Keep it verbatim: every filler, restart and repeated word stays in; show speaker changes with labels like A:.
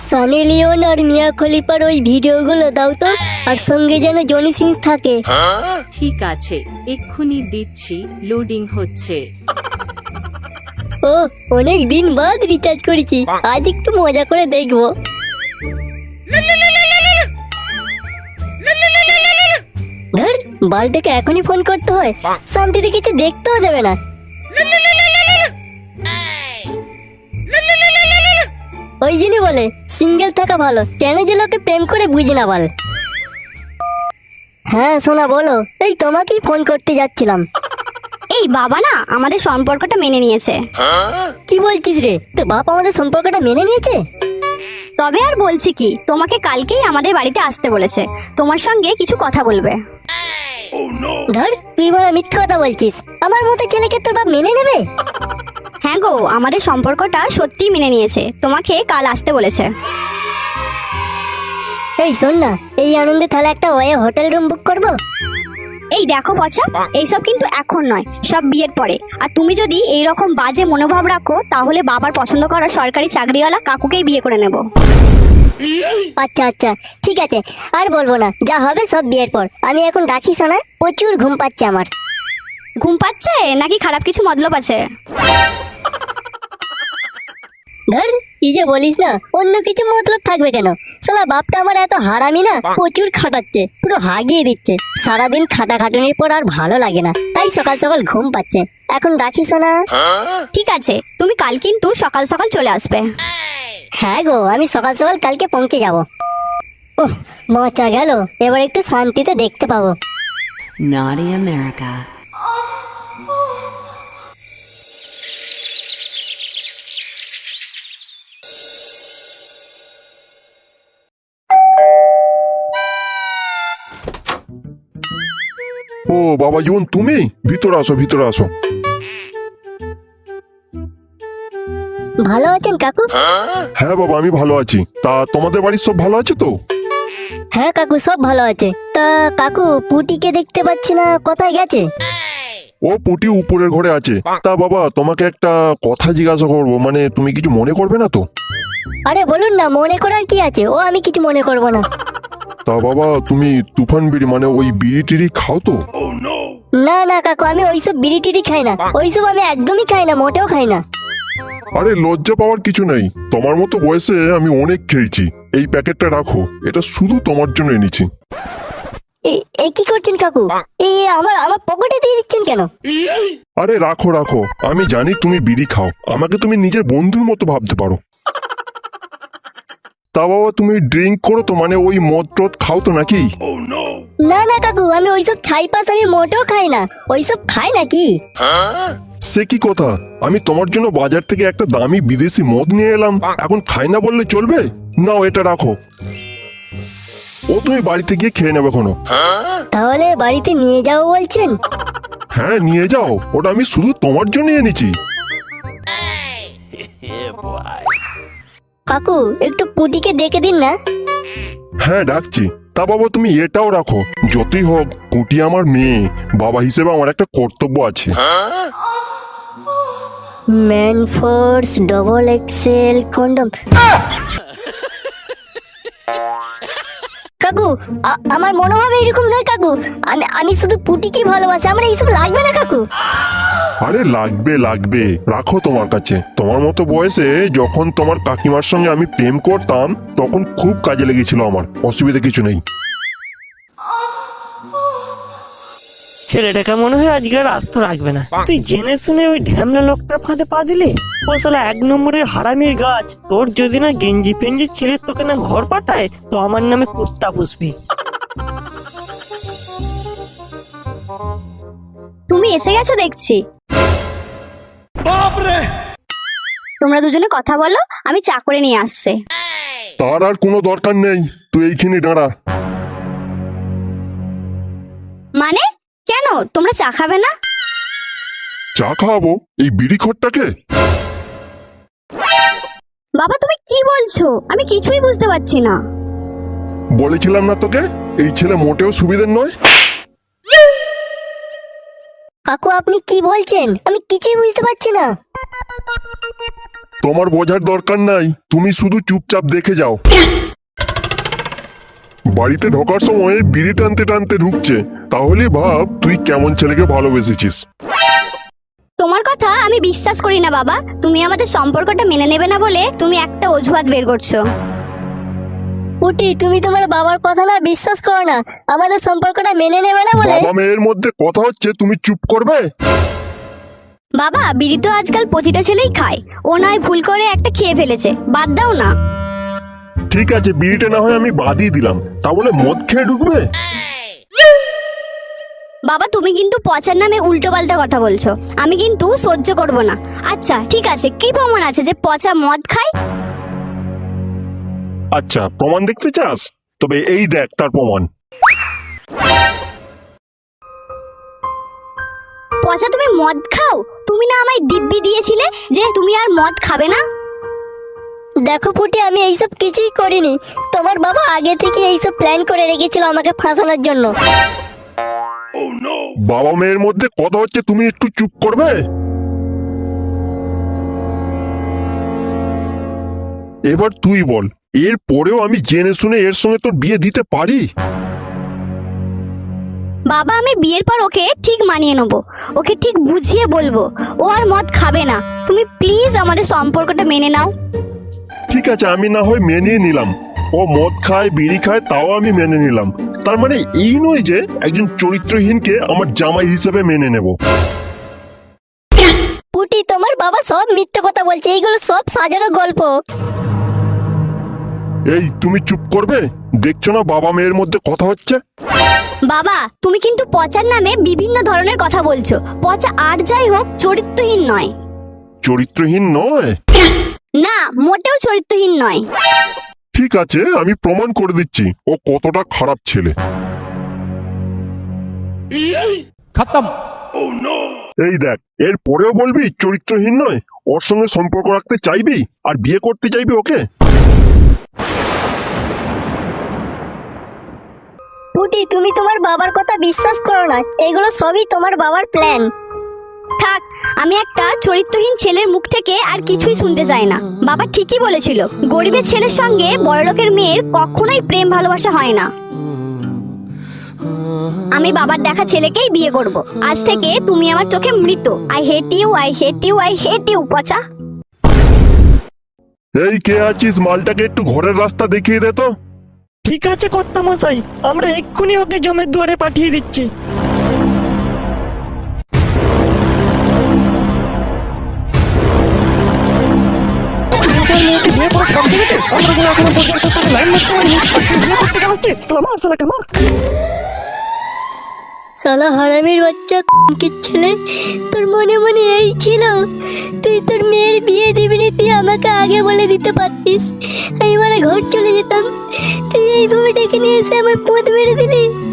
A: Sunny Leone আর মিয়া খলিফার ওই ভিডিওগুলো দাও তো, আর সঙ্গে যেন জনি সিংস থাকে।
B: ঠিক আছে, এক্ষুনি দিচ্ছি, লোডিং হচ্ছে।
A: ও, অনেক দিন বাদ রিচার্জ করেছি, আজ একটু মজা করে দেখবো। ধর, বালটাকে এখনই ফোন করতে হয়, শান্তিতে কিছু দেখতেও দেবে না। ওই জন্যই বলে সিঙ্গেল থাকা ভালো, কেন যে লোকে প্রেম করে বুঝি না বল। হ্যাঁ সোনা বলো, এই তোমাকেই ফোন করতে যাচ্ছিলাম।
C: এই বাবা না আমাদের সম্পর্কটা মেনে নিয়েছে।
A: কি বলছিস রে, তো বাপ আমাদের সম্পর্কটা মেনে নিয়েছে?
C: তবে আর বলছি কি, তোমাকে কালকেই আমাদের বাড়িতে আসতে বলেছে, তোমার সঙ্গে কিছু কথা বলবে।
A: ধর, তুই বড় মিথ্যা কথা বলছিস, আমার মতো ছেলেকে তোর বাপ মেনে নেবে?
C: হ্যাঁ গো, আমাদের সম্পর্কটা সত্যিই মেনে নিয়েছে, তোমাকে কাল আসতে বলেছে।
A: এই শোন না, এই আনন্দে তাহলে একটা ওয়ে হোটেল রুম বুক করবো।
C: এই দেখো পচা, এইসব কিন্তু এখন নয়, সব বিয়ের পরে। আর তুমি যদি এই রকম বাজে মনোভাব রাখো, তাহলে বাবার পছন্দ করা সরকারি চাকরিওয়ালা কাকুকেই বিয়ে করে নেব।
A: আচ্ছা আচ্ছা ঠিক আছে, আর বলবো না, যা হবে সব বিয়ের পর। আমি এখন রাখি শোনা, প্রচুর ঘুম পাচ্ছে আমার।
C: ঘুম পাচ্ছে নাকি খারাপ কিছু মতলব আছে?
A: ধর, কি যে বলিস না, অন্য কিছু মতলব থাকবে কেন? শালা বাপটা আমার এত হারামি না, প্রচুর খাটাচ্ছে, পুরো হাগিয়ে দিচ্ছে। সারাদিন খাটাখাটুনির পর আর ভালো লাগে না, তাই সকাল সকাল ঘুম পাচ্ছে। এখন রাখিস না।
C: ঠিক আছে, তুমি কাল কিন্তু সকাল সকাল চলে আসবে।
A: হ্যাঁ গো, আমি সকাল সকাল কালকে পৌঁছে যাব। ওহ, মজা গেল, এবার একটু শান্তিতে দেখতে পাবো।
D: Naughty America.
E: ও বাবা জীবন, তুমি ভিতরে আসো, ভিতরে আসো।
A: ভালো আছেন কাকু?
E: হ্যাঁ বাবা, আমি ভালো আছি। তা তোমাদের বাড়ির সব ভালো আছে তো?
A: হ্যাঁ কাকু, সব ভালো আছে। তা কাকু, পুটিকে দেখতে পাচ্ছি না, কোথায় গেছে?
E: ও পুটি উপরের ঘরে আছে। তা বাবা, তোমাকে একটা কথা জিজ্ঞাসা করবো, মানে তুমি কিছু মনে করবে না তো?
A: আরে বলুন না, মনে করার কি আছে, ও আমি কিছু মনে করব না।
E: তা বাবা, তুমি তুফান বিড়ি মানে ওই বিড়ি টিড়ি খাও তো?
A: না না কাকু, আমি ওইসব বিড়ি টিড়ি খাই না, ওইসব আমি একদমই খাই না, মোটেও খাই না।
E: আরে লজ্জা পাওয়ার কিছু নেই, তোমার মতো বয়সে আমি অনেক খেয়েছি। এই প্যাকেটটা রাখো, এটা শুধু তোমার জন্য এনেছি।
A: এ- এ কি করছেন কাকু? এই আমার আমার পকেটে দিয়ে দিচ্ছেন কেন?
E: আরে রাখো রাখো, আমি জানি তুমি বিড়ি খাও, আমাকে তুমি নিজের বন্ধুর মতো ভাবতে পারো। তা বাবা, তুমি ড্রিঙ্ক করো তো, মানে ওই মদ টদ খাও তো নাকি?
A: না না কাকু, আমি ওইসব ছাই পাস আমি মোটেও খাই না, ওইসব খাই নাকি?
E: সে কি কথা, আমি তোমার জন্য বাজার থেকে একটা দামি বিদেশি মদ নিয়ে এলাম, এখন খাই না বললে চলবে? নাও এটা রাখো, ও তুমি বাড়িতে গিয়ে খেয়ে নেবে কোনো।
A: তাহলে বাড়িতে নিয়ে যাও বলছেন?
E: হ্যাঁ নিয়ে যাও, ওটা আমি শুধু তোমার জন্য এনেছি।
A: কাকু, একটু পুটিকে ডেকে দিন না।
E: হ্যাঁ ডাকছি। তা বাবা, তুমি এটাও রাখো, যতই হোক পুটি আমার মেয়ে, বাবা হিসেবে আমার একটা কর্তব্য আছে।
A: Manforce double excel condom. কাকু, আ- আমার মনোভাব এরকম নয় কাকু, আমি আমি শুধু পুটিকে ভালোবাসি, আমার এইসব লাগবে না কাকু।
E: আরে লাগবে লাগবে, রাখো তোমার কাছে। তোমার মতো বয়সে যখন তোমার কাকিমার সঙ্গে আমি প্রেম করতাম, তখন খুব কাজে লেগেছিল আমার, অসুবিধা কিছু নেই।
F: ছেলেটাকে মনে হয় আজকে আর আস্ত রাখবে না। তুই জেনে শুনে ওই ঢ্যামলা লোকটার ফাঁদে পা দিলি। ও শালা এক নম্বরের হারামির গাছ। তোর যদি না গেঞ্জি পেঞ্জি ছিঁড়ে তোকে না ঘর পাঠায়, তো আমার নামে কুস্তা পুষবি।
C: তুমি এসে গেছো দেখছি। তোমরা দুজনে কথা বলো, আমি চা করে নিয়ে আসছে।
E: তার আর কোনো দরকার নেই, তুই এইখানে দাঁড়া।
C: মানে কেন, তোমরা চা খাবে না?
E: চা খাওয়াবো এই বিড়ি খোরটাকে?
C: বাবা তুমি কি বলছো, আমি কিছুই বুঝতে পারছি না।
E: বলেছিলাম না তোকে, এই ছেলে মোটেও সুবিধের নয়।
A: কাকু, আপনি কি বলছেন? আমি কিছুই বুঝতে পারছি না।
E: তোমার বোঝার দরকার নাই, তুমি শুধু চুপচাপ দেখে যাও। বাড়িতে ঢোকার সময় বিড়ি টানতে টানতে ঢুকছে, তাহলে ভাব তুই কেমন ছেলেকে ভালোবেসেছিস।
C: তোমার কথা আমি বিশ্বাস করি না বাবা। তুমি আমাদের সম্পর্কটা মেনে নেবে না বলে তুমি একটা অজুহাত বের করছো।
A: পুটি, তুমি তোমার বাবার কথা না বিশ্বাস করো না, আমাদের সম্পর্কটা মেনে নেবে না বলে।
E: বাবা মেয়ের মধ্যে কথা হচ্ছে, তুমি চুপ করবে।
C: বাবা, বিড়ি তো আজকাল প্রতিটা ছেলেই খায়, ও নয় ভুল করে একটা খেয়ে ফেলেছে, বাদ দাও না।
E: ঠিক আছে, বিড়িটা না হয় আমি বাদই দিলাম, তা বলে মদ খেয়ে ঢুকবে।
C: বাবা, তুমি কিন্তু পচার নামে উল্টো পাল্টা কথা বলছো, আমি কিন্তু সহ্য করব না। আচ্ছা ঠিক আছে, কি প্রমাণ আছে যে পচা মদ খায়?
E: আচ্ছা, প্রমাণ দেখতে চাস? তবে এই দেখ তার প্রমাণ।
C: পচা তুমি মদ খাও? তুমি না আমায় দিব্যি দিয়েছিলে যে তুমি আর মদ খাবে না।
A: দেখো পুটি, আমি এইসব কিছুই করিনি। তোমার বাবা আগে থেকে এইসব প্ল্যান করে রেখেছিল আমাকে ফাঁসানোর জন্য।
E: বাবা মেয়ের মধ্যে কথা হচ্ছে, তুমি একটু চুপ করবে। এবার তুই বল, এর পরেও আমি জেনে শুনে এর সঙ্গে তোর বিয়ে দিতে পারি?
C: বাবা, আমি বিয়ের পর ওকে ঠিক মানিয়ে নেবো, ওকে ঠিক বুঝিয়ে বলবো ও আর মদ খাবে না। তুমি প্লিজ আমাদের সম্পর্কটা মেনে নাও।
E: ঠিক আছে, আমি না হয় মেনে নিলাম, ও মদ খায় বিড়ি খায়, তাও আমি মেনে নিলাম। তার মানে এই নয় যে একজন চরিত্রহীনকে আমার জামাই হিসেবে মেনে নেব।
A: পুটি, তোমার বাবা সব মিথ্যে কথা বলছে, এইগুলো সব সাজানো গল্প।
E: এই তুমি চুপ করবে? দেখছো না বাবা মেয়ের মধ্যে কথা হচ্ছে?
C: বাবা, তুমি কিন্তু পচার নামে বিভিন্ন ধরনের কথা বলছো। পচা আর যাই হোক চরিত্রহীন নয়।
E: চরিত্রহীন নয়?
C: না, মোটেও চরিত্রহীন নয়।
E: ঠিক আছে, আমি প্রমাণ করে দিচ্ছি ও কতটা খারাপ ছেলে।
G: खत्म।
E: এই দেখ, এর পরেও বলবি চরিত্রহীন নয়? ওর সঙ্গে সম্পর্ক রাখতে চাইবি আর বিয়ে করতে চাইবি ওকে?
A: পুটি, তুমি তোমার বাবার কথা বিশ্বাস করো না, এগুলো সবই তোমার বাবার প্ল্যান।
C: থাক, আমি একটা চরিত্রহীন ছেলের মুখ থেকে আর কিছুই শুনতে চাই না। বাবা ঠিকই বলেছিল, গরিবের ছেলের সঙ্গে বড়লোকের মেয়ের কখনোই প্রেম ভালোবাসা হয় না। আমি বাবার দেখা ছেলেকেই বিয়ে করব। আজ থেকে তুমি আমার চোখে মৃত। I hate you, I hate you, I hate you পচা।
E: এই কে আছিস, মালটাকে একটু ঘরের রাস্তা দেখিয়ে দে তো।
F: ঠিক আছে কর্তা মশাই, আমরা এক্ষুনি ওকে জমের দুয়ারে পাঠিয়ে দিচ্ছি।
A: সালা হারামির বাচ্চা কি ছেলে, তোর মনে মনে এই ছিল তুই তোর মেয়ের বিয়ে দিবি না, তুই আমাকে আগে বলে দিতে পারতিস, আমি মানে ঘর চলে যেতাম। তুই এইভাবে ডেকে নিয়ে এসে আমার পথ মেরে দিলি।